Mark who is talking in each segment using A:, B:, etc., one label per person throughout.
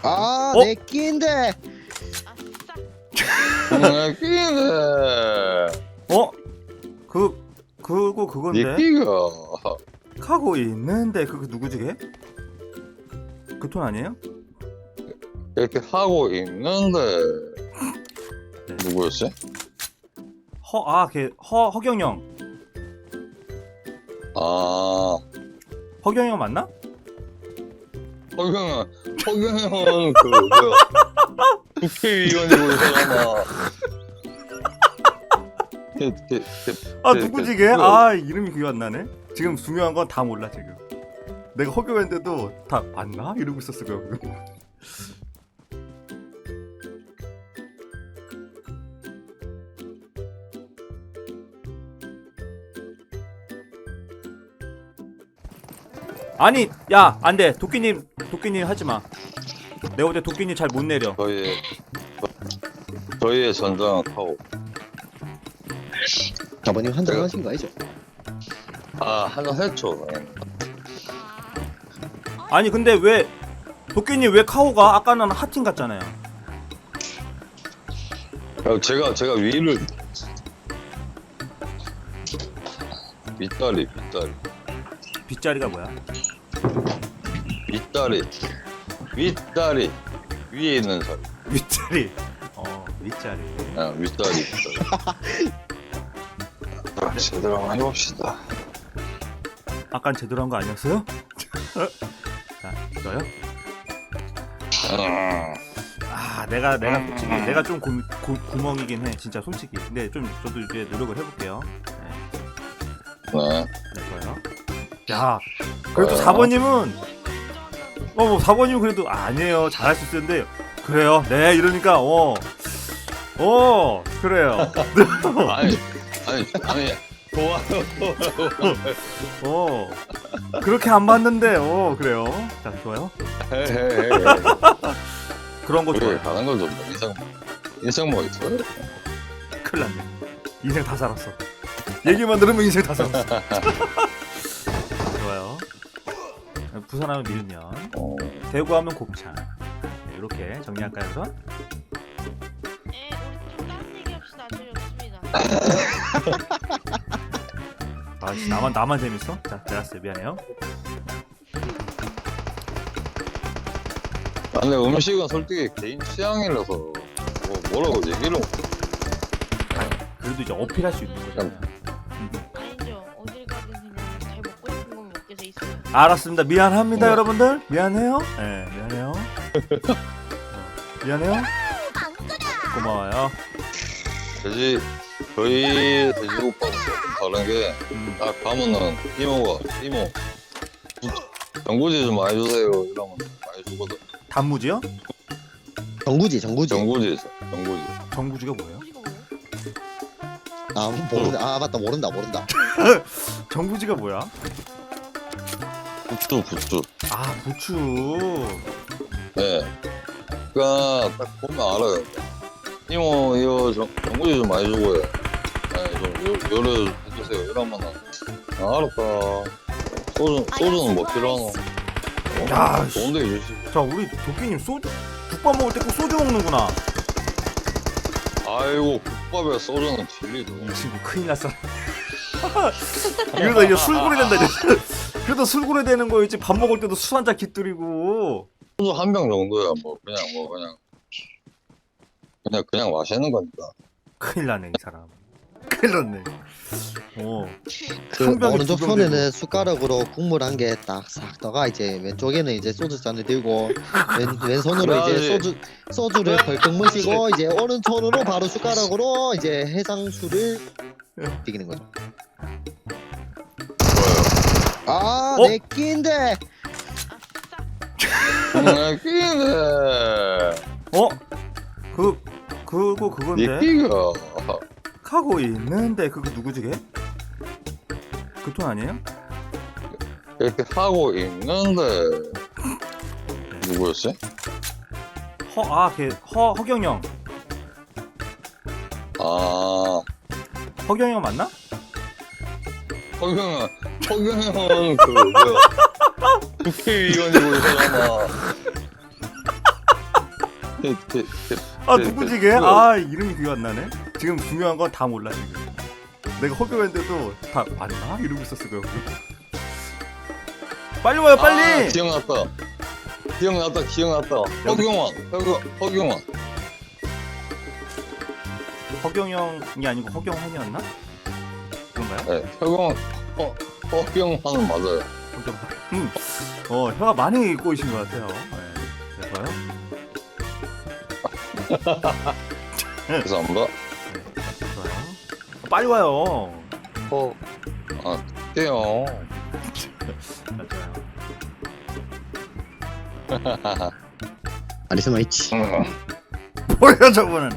A: 아,
B: 어?
A: 내 끼인데.
C: 내 끼네.
B: 어? 그건데?
C: 내 끼가.
B: 하고 있는데 그거 누구지 걔? 그 톤 아니에요?
C: 이렇게 하고 있는데.
B: 네.
C: 누구였지?
B: 허경영.
C: 아,
B: 허경영 맞나?
C: 허경영은 그, 뭐야. 국회의원이고 있잖아.
B: 누구지 걔? 아, 이름이 기억 안 나네. 지금 중요한 건 다 몰라 지금. 내가 허경영인데도 다 맞나? 이러고 있었어 그거. 아니, 야, 안 돼. 도끼님 하지 마. 내가 어제 도끼님 잘 못 내려.
C: 저희의 전장은 카오.
A: 아버님 한잔 하신 거 아니죠?
C: 아, 한잔 했죠.
B: 아니, 근데 왜 도끼님 왜 카오가 아까는 하팅 같잖아요.
C: 제가 위를 윗다리
B: 빗자리가 뭐야?
C: 윗다리 위에 있는 사람.
B: 윗자리. 윗자리.
C: 아, 윗다리. 제대로 한번 해봅시다.
B: 아깐 제대로 한 거 아니었어요? 자, 이거요? 내가 솔직히 내가 좀 구멍이긴 해, 진짜 솔직히. 근데 좀 저도 이제 노력을 해볼게요.
C: 네.
B: 이거요. 야, 그래도 4번님은 뭐 4번님은 그래도 아니에요, 잘할 수 있는데 그래요. 네, 이러니까 그래요.
C: 아니 좋아요.
B: 그렇게 안 봤는데 그래요. 자, 좋아요. 그런 거 좋아요.
C: 가는 걸 좀 인생 뭐 있어요?
B: 큰일 났네. 인생 다 살았어. 얘기만 들으면 인생 다 살았어. 좋아요. 부산하면 밀면, 대구하면 곱창. 네, 이렇게 정리할까요, 우선?
D: 네, 우리 좀 다른 얘기 합시다. 재미없습니다.
B: 나만 재밌어? 자, 제라스 미안해요.
C: 근데 음식은 솔직히 개인 취향이라서 뭐라고 얘기를
B: 그래도 이제 어필할 수 있는 거잖아요.
D: 아니죠. 어딜 가든 그냥 잘 먹고 싶은 건 먹게 돼 있어요.
B: 알았습니다. 미안합니다, 여러분들. 미안해요. 네, 미안해요. 미안해요. 고마워요.
C: 저희 돼지국밥은 조금 다른 게 딱 가면은 이모 전구지 좀 많이 주세요 이러면 많이 주거든.
B: 단무지요?
A: 정구지.
C: 전구지
B: 정구지가 뭐예요?
D: 이거 뭐예요?
A: 아 맞다, 모른다.
B: 정구지가 뭐야?
C: 부추.
B: 아, 부추.
C: 네. 그니까 딱 보면 알아요. 이모 이거 전구지 좀 많이 주고요. 네, 좀 요래 해주세요 이러면은 알았다. 소주는 뭐 필요하노?
B: 야,
C: 좋은데 해주시고.
B: 자, 우리 도끼님 국밥 먹을 때 꼭 소주 먹는구나.
C: 아이고 국밥에 소주는 진리죠.
B: 이 친구 큰일 났어. 이러다 이제 술고래 된다 이제. 그래도 술고래 되는 거였지. 밥 먹을 때도 술 한 잔 깃들이고.
C: 소주 한 병 정도야 그냥 마시는 거니까.
B: 큰일 나네 이 사람. 큰일 났네.
A: 그
B: 한 병에
A: 오른쪽
B: 두 병
A: 손에는 숟가락으로 국물 한 개 딱 싹 떠가, 이제 왼쪽에는 이제 소주 잔을 들고 왼손으로 이제 소주를 벌컥 마시고, 이제 오른손으로 바로 숟가락으로 이제 해상술을 튀기는 거죠. 아, 내 끼인데.
C: 내 끼네.
B: 그건데.
C: 내 끼가.
B: 하고 있는데 그거 누구지 걔? 그 톤 아니에요?
C: 이렇게 하고 있는데 누구였지?
B: 허경영.
C: 아,
B: 허경영 맞나?
C: 허경영은 그 뭐야 국회의원이고 있잖아.
B: 아 누구지 걔? 아 이름이 기억 안 나네. 지금 중요한 건 다 몰라 지금. 내가 허경했는데도 다 맞나? 이러고 있었을 거야. 빨리 와요 빨리.
C: 아, 기억났다. 허경환.
B: 허경영이 아니고 허경환이었나? 그런가요?
C: 네, 허경환은 맞아요.
B: 허경환. 혀가 많이 꼬이신 것 같아요. 네, 그래서요.
C: 죄송합니다.
B: 좋아요. 빨리 와요.
C: 떼요.
B: 맞아요.
A: 아리스마 있지.
B: 뭐야 저거는.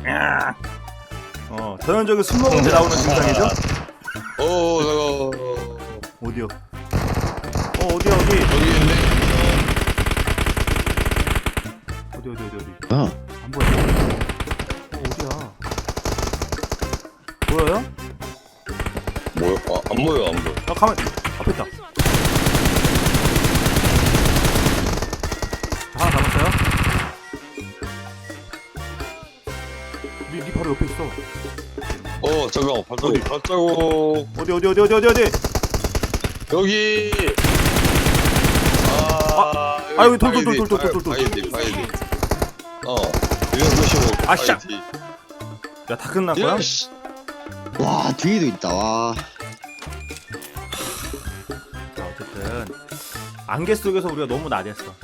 B: 전형적인 술 먹을 때 나오는 증상이죠?
C: 저거
B: 어디요? 어디야 어디?
C: 여기 있네.
B: 어디.
A: 아,
B: 안 보여. 어디야? 보여요?
C: 뭐야? 안 보여.
B: 가만 앞에 있다. 하나 잡았어요? 니 바로 옆에 있어.
C: 잠깐만.
B: 어디?
C: 발자국.
B: 어디?
C: 여기.
B: 여기 돌.
C: 바이디. 295.
B: 아, 씨. 야, 다 끝난 거야?
C: 씨.
A: 와 뒤에도 있다. 와.
B: 자, 어쨌든 안개 속에서 우리가 너무 나댔어.